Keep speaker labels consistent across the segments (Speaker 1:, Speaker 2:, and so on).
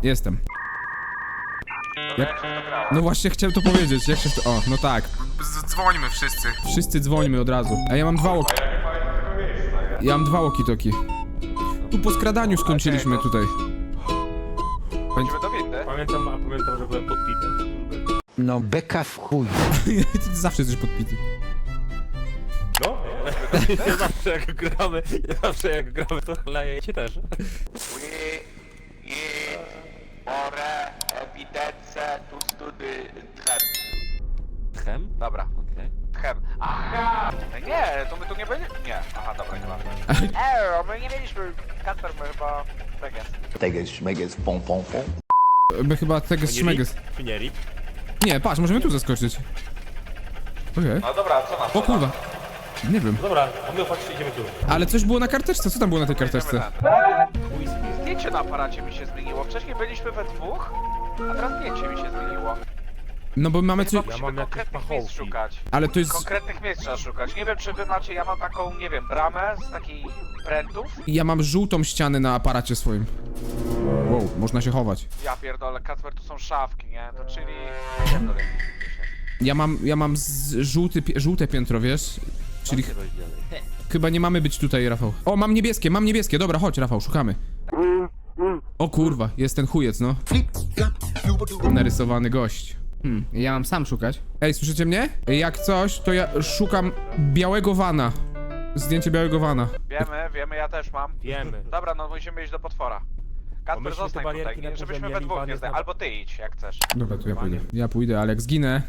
Speaker 1: Jestem. No właśnie chciałem to powiedzieć, jak się w to... O, no tak.
Speaker 2: Dzwońmy wszyscy.
Speaker 1: Wszyscy dzwońmy od razu. A ja mam dwa łoki. Ja mam dwa walkie-talkie. Tu po skradaniu skończyliśmy tutaj.
Speaker 2: Chodzimy do windy.
Speaker 3: Pamiętam, że byłem podpity.
Speaker 4: No beka w chuj.
Speaker 1: Ty zawsze jesteś podpity.
Speaker 3: No? Nie zawsze jak gramy, to chleje cię też.
Speaker 2: Ore, ewidence, tu study, tchem.
Speaker 3: Tchem?
Speaker 2: Dobra,
Speaker 3: Okej.
Speaker 2: tchem. Aha! Nie, to my tu nie byli? Nie, aha, dobra, nie mamy. My nie mieliśmy, Kasper, my chyba... Tak jest.
Speaker 4: Teges, szmeges, pom pom pom.
Speaker 1: My chyba tego szmeges.
Speaker 3: Czy nie rip?
Speaker 1: Nie, patrz, możemy tu zaskoczyć. Okej.
Speaker 2: No dobra, co nas?
Speaker 1: O kurwa. Nie wiem.
Speaker 3: Dobra, a my chodźcie, idziemy tu.
Speaker 1: Ale coś było na karteczce, co tam było na tej karteczce?
Speaker 2: Zdjęcie na aparacie mi się zmieniło. Wcześniej byliśmy we dwóch, a teraz zdjęcie mi się zmieniło.
Speaker 1: No bo mamy coś...
Speaker 2: Chyba
Speaker 3: Ja
Speaker 2: musimy
Speaker 3: mam jakieś
Speaker 2: konkretnych
Speaker 3: pachołki.
Speaker 2: miejsc szukać.
Speaker 1: Ale to jest...
Speaker 2: Konkretnych miejsc trzeba szukać. Nie wiem, czy wy macie, ja mam taką, nie wiem, bramę z takich prętów.
Speaker 1: Ja mam żółtą ścianę na aparacie swoim. Wow, można się chować.
Speaker 2: Ja pierdolę, Kacper, tu są szafki, nie? To czyli...
Speaker 1: Ja mam żółte piętro, wiesz? Czyli chyba nie mamy być tutaj, Rafał. O, mam niebieskie, dobra, chodź, Rafał, szukamy. O kurwa, jest ten chujec, no. Narysowany gość. Ja mam sam szukać. Ej, słyszycie mnie? Jak coś, to ja szukam białego vana. Zdjęcie białego vana.
Speaker 2: Wiemy, ja też mam.
Speaker 3: Wiemy.
Speaker 2: Dobra, no musimy iść do potwora. Kacper,
Speaker 3: myśmy te
Speaker 2: zostań
Speaker 3: barierki
Speaker 2: tutaj,
Speaker 3: na
Speaker 2: żebyśmy
Speaker 3: górze
Speaker 2: we
Speaker 3: mieli,
Speaker 2: dwóch
Speaker 3: Iwan
Speaker 2: nie
Speaker 3: jest
Speaker 2: zdali.
Speaker 3: na-
Speaker 2: Albo ty idź, jak chcesz.
Speaker 1: Dobra, to ja pójdę. Ja pójdę, ale jak zginę...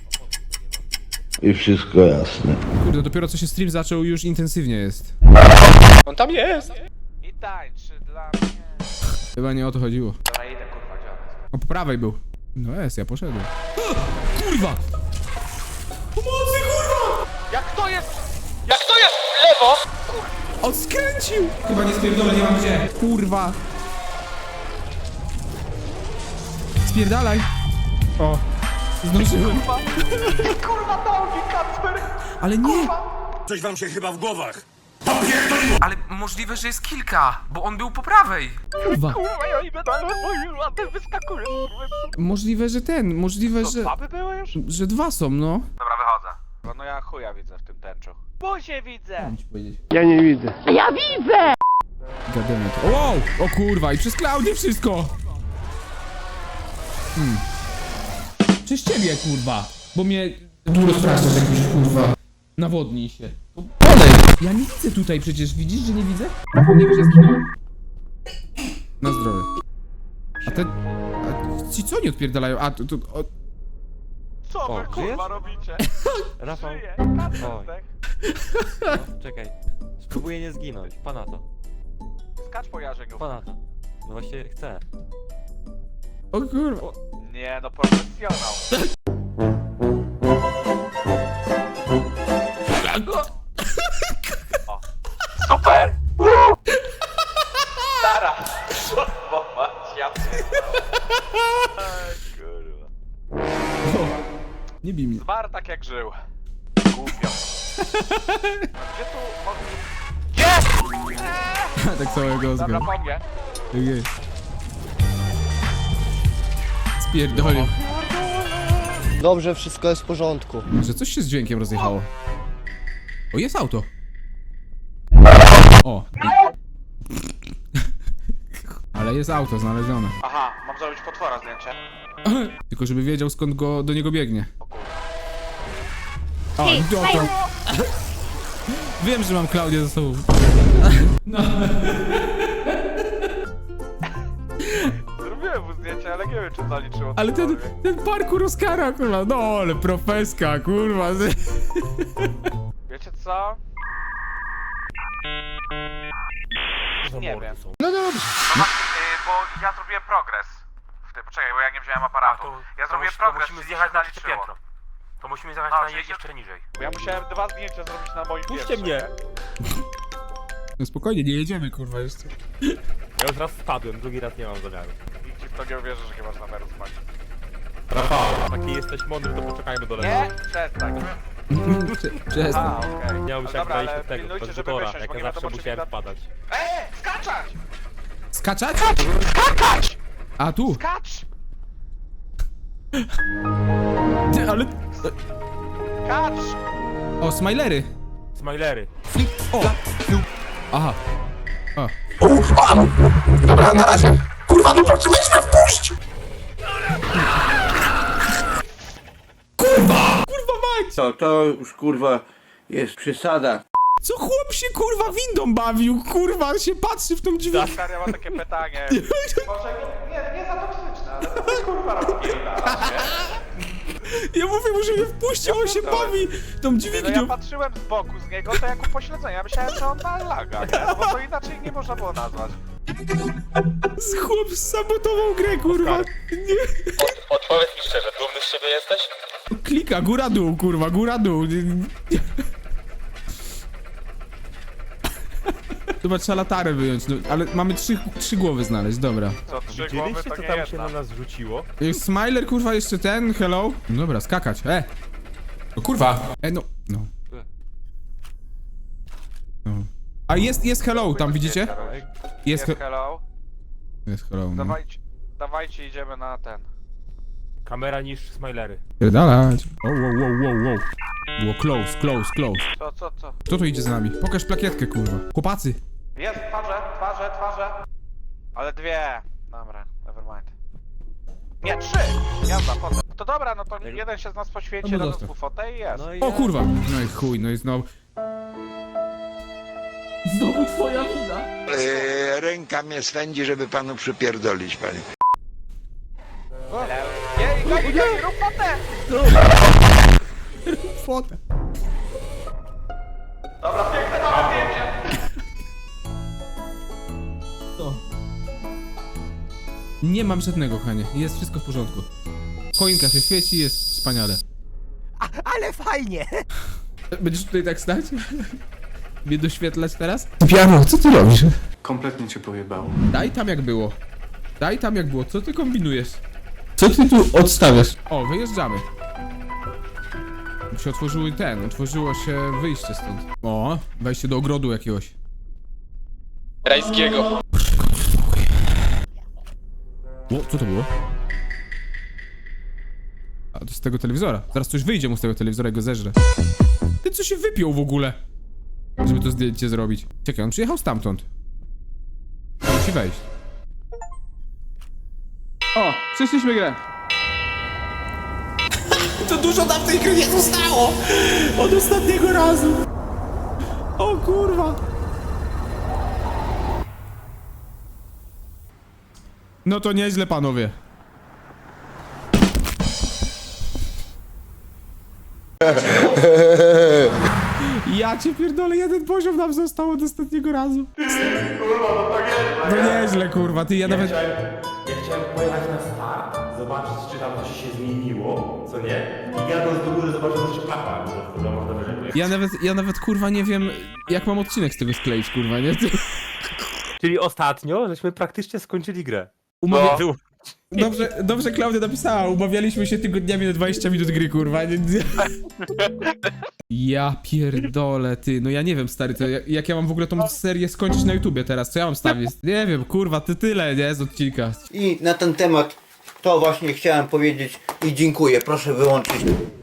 Speaker 4: I wszystko jasne.
Speaker 1: Kurde, dopiero co się stream zaczął, już intensywnie jest.
Speaker 3: On tam jest!
Speaker 2: I tańczy dla mnie.
Speaker 1: Chyba nie o to chodziło.
Speaker 2: Dobra, idę, kurwa, gdzie on jest?
Speaker 1: O, po prawej był. No jest, ja poszedłem. Kurwa! Pomocy, kurwa!
Speaker 2: Jak to jest? Jak to jest? Lewo!
Speaker 1: On skręcił! Chyba nie spierdolę, nie mam gdzie. Kurwa! Spierdalaj! O! Zdążyłem.
Speaker 2: Kurwa, nogi, Kacper!
Speaker 1: Ale nie!
Speaker 5: Coś wam się chyba w głowach.
Speaker 2: Ale możliwe, że jest kilka, bo on był po prawej.
Speaker 1: Kurwa!
Speaker 2: Kurwa, ja idę dalej, a ten wyskakuje, kurwa.
Speaker 1: Możliwe, że...
Speaker 2: Baby były już?
Speaker 1: Że dwa są, no.
Speaker 2: Dobra, wychodzę. No ja chuja widzę w tym tęczu. Buzie widzę!
Speaker 1: Gademet. Wow! O kurwa, i przez Klaudię wszystko! Przez ciebie, kurwa! Bo mnie... Tu rozpraszasz jakiś, kurwa. Nawodnij się. Podejdź! Ja nie widzę tutaj przecież, widzisz, że nie widzę? Rafał, nie wiesz, że zginąłem. Na zdrowie. A te... A ci co nie odpierdalają? A, to... O...
Speaker 2: Co wy,
Speaker 3: O,
Speaker 2: kurwa,
Speaker 3: żyjesz?
Speaker 2: robicie?
Speaker 3: Rafał,
Speaker 2: Żyję,
Speaker 3: Oj.
Speaker 2: Kacper,
Speaker 3: no, czekaj. Spróbuję nie zginąć. Pana to.
Speaker 2: skacz po jarzeniu.
Speaker 3: Pana to. No właśnie chcę.
Speaker 1: O kurwa.
Speaker 2: Nie, no profesjonał. O. Super! Stara! Bo mać, ja kurwa.
Speaker 1: Nie bij mnie.
Speaker 2: Zmarł tak jak żył. Głupio. Gdzie tu mogę... Jest!
Speaker 1: Tak całego
Speaker 2: Dobra,
Speaker 1: zgadzam.
Speaker 2: po mnie.
Speaker 1: Okay. Spierdolił.
Speaker 6: Dobrze, wszystko jest w porządku.
Speaker 1: Że coś się z dźwiękiem rozjechało. O, jest auto. O. Ale jest auto znalezione.
Speaker 2: Aha, mam zrobić potwora zdjęcie.
Speaker 1: Tylko żeby wiedział skąd do niego biegnie. O, dobra. Wiem, że mam Klaudię ze sobą.
Speaker 2: Zrobiłem mu zdjęcie, ale nie wiem, czy zaliczyło.
Speaker 1: Ale ten parkour Oscara, kurwa. No, ale profeska, kurwa.
Speaker 2: Wiecie co? Nie wiem.
Speaker 1: No dobrze.
Speaker 2: Bo ja zrobiłem progres. Poczekaj, bo ja nie wziąłem aparatu. Ja zrobiłem progres,
Speaker 3: musimy
Speaker 2: czyli
Speaker 3: zjechać
Speaker 2: się
Speaker 3: na trzecie
Speaker 2: zaliczyło.
Speaker 3: piętro. To musimy zjechać
Speaker 2: A,
Speaker 3: na
Speaker 2: czyli się-
Speaker 3: jeszcze niżej.
Speaker 2: Bo ja musiałem 2 zdjęcia zrobić na moim
Speaker 3: Puśćcie
Speaker 2: pierwszym,
Speaker 3: mnie.
Speaker 2: nie?
Speaker 1: No spokojnie, nie jedziemy, kurwa, jeszcze.
Speaker 3: Ja już raz spadłem, drugi raz nie mam zamiaru.
Speaker 2: Nikt ci w to nie uwierzy, że nie masz zamiaru spać.
Speaker 3: Rafał, taki jesteś mądry, to poczekajmy do
Speaker 2: Nie?
Speaker 3: lewa.
Speaker 2: Przestań.
Speaker 1: Przestań.
Speaker 2: A, okej.
Speaker 3: Miał
Speaker 2: No
Speaker 3: się jak
Speaker 2: dobra,
Speaker 3: wejść
Speaker 2: ale
Speaker 3: od tego,
Speaker 2: pilnujcie,
Speaker 3: od
Speaker 2: żeby
Speaker 3: Tora,
Speaker 2: wysiąść,
Speaker 3: jak
Speaker 2: bo
Speaker 3: ja
Speaker 2: nie
Speaker 3: zawsze
Speaker 2: wiadomo, czy
Speaker 3: musiałem
Speaker 2: nie da-
Speaker 3: wpadać.
Speaker 2: Skaczać!
Speaker 1: Skaczać?
Speaker 2: Skakać!
Speaker 1: A, tu!
Speaker 2: Skacz!
Speaker 1: Ty, ale...
Speaker 2: Skacz!
Speaker 1: O, smajlery!
Speaker 5: Smajlery.
Speaker 1: O! Aha. O. Kurwa mać!
Speaker 7: Co, to już kurwa jest przesada.
Speaker 1: Co chłop się kurwa windą bawił? Kurwa się patrzy w tą dźwignię.
Speaker 2: Stary, ja mam takie pytanie. Może nie za toksyczne, ale to jest kurwa rozpierdala,
Speaker 1: Ja mówię mu, że mnie wpuścił, on się bawi tą
Speaker 2: No ja
Speaker 1: dźwignią.
Speaker 2: patrzyłem z boku z niego, to jak upośledzenia. Ja myślałem, że on ma laga, nie? No bo to inaczej nie można było nazwać.
Speaker 1: Chłop sabotował grę, kurwa. Nie.
Speaker 5: Odpowiedz mi szczerze, dumny z siebie jesteś?
Speaker 1: Klika, góra dół, kurwa, góra dół. Chyba trzeba latarę wyjąć, no, ale mamy trzy głowy znaleźć, dobra.
Speaker 2: Co, 3 głowy to nie jedna.
Speaker 5: nas rzuciło?
Speaker 1: Jest Smiler, kurwa, jeszcze ten, hello. No dobra, skakać, No kurwa. No. No. A jest hello, tam widzicie?
Speaker 2: Jest
Speaker 1: Jest
Speaker 2: hello.
Speaker 1: Jest hello, no.
Speaker 2: Dawajcie, idziemy na ten.
Speaker 5: Kamera niż smajlery.
Speaker 1: Pierdalać. Wow. Było close.
Speaker 2: Co?
Speaker 1: Kto tu idzie z nami? Pokaż plakietkę, kurwa. Chłopacy.
Speaker 2: Jest, twarze. Ale 2. Dobra, nevermind. Nie, 3! Jazda, potem. To dobra, no to jeden się z nas poświęci,
Speaker 1: No bo
Speaker 2: razem
Speaker 1: zostaw.
Speaker 2: z bufotę i jest.
Speaker 3: No i
Speaker 1: O
Speaker 3: ja-
Speaker 1: kurwa. No i chuj, no i znowu. Znowu twoja wina.
Speaker 4: Ręka mnie swędzi, żeby panu przypierdolić, panie.
Speaker 2: Nie, rób fotę!
Speaker 1: Fotę.
Speaker 2: Dobra, piękne małe zdjęcie!
Speaker 1: Nie mam żadnego, kochanie. Jest wszystko w porządku. Choinka się świeci, jest wspaniale.
Speaker 6: Ale fajnie!
Speaker 1: Będziesz tutaj tak stać? Mnie doświetlać teraz? Piano, co ty robisz?
Speaker 5: Kompletnie cię pojebało.
Speaker 1: Daj tam jak było. Co ty kombinujesz? Co ty tu odstawiasz? O, wyjeżdżamy. Się otworzyło się wyjście stąd. O, wejście do ogrodu jakiegoś.
Speaker 5: Rajskiego.
Speaker 1: O, co to było? A to z tego telewizora. Zaraz coś wyjdzie mu z tego telewizora i go zeżrę. Ty co się wypiął w ogóle? Żeby to zdjęcie zrobić. Czekaj, on przyjechał stamtąd. Musi wejść. O, przeszliśmy grę. To dużo nam w tej gry nie zostało! Od ostatniego razu! O kurwa! No to nieźle, panowie. Ja cię pierdolę, jeden poziom nam został od ostatniego razu. No nieźle, kurwa, ty, ja nawet...
Speaker 8: Ja chciałem pojechać na start, zobaczyć czy tam coś się zmieniło, co nie? I jadąc do góry zobaczyć, że jeszcze klapa, że można wyżej pojechać.
Speaker 1: Ja nawet, kurwa, nie wiem, jak mam odcinek z tego skleić, kurwa, nie?
Speaker 8: Czyli ostatnio, żeśmy praktycznie skończyli grę.
Speaker 1: Umawia... Dobrze Klaudia napisała, umawialiśmy się tygodniami na 20 minut gry, kurwa. Nie? Ja pierdolę, ty, no ja nie wiem, stary, to jak ja mam w ogóle tą serię skończyć na YouTubie teraz, co ja mam stawić? Nie wiem, kurwa, ty tyle, nie, z odcinka.
Speaker 6: I na ten temat to właśnie chciałem powiedzieć i dziękuję. Proszę wyłączyć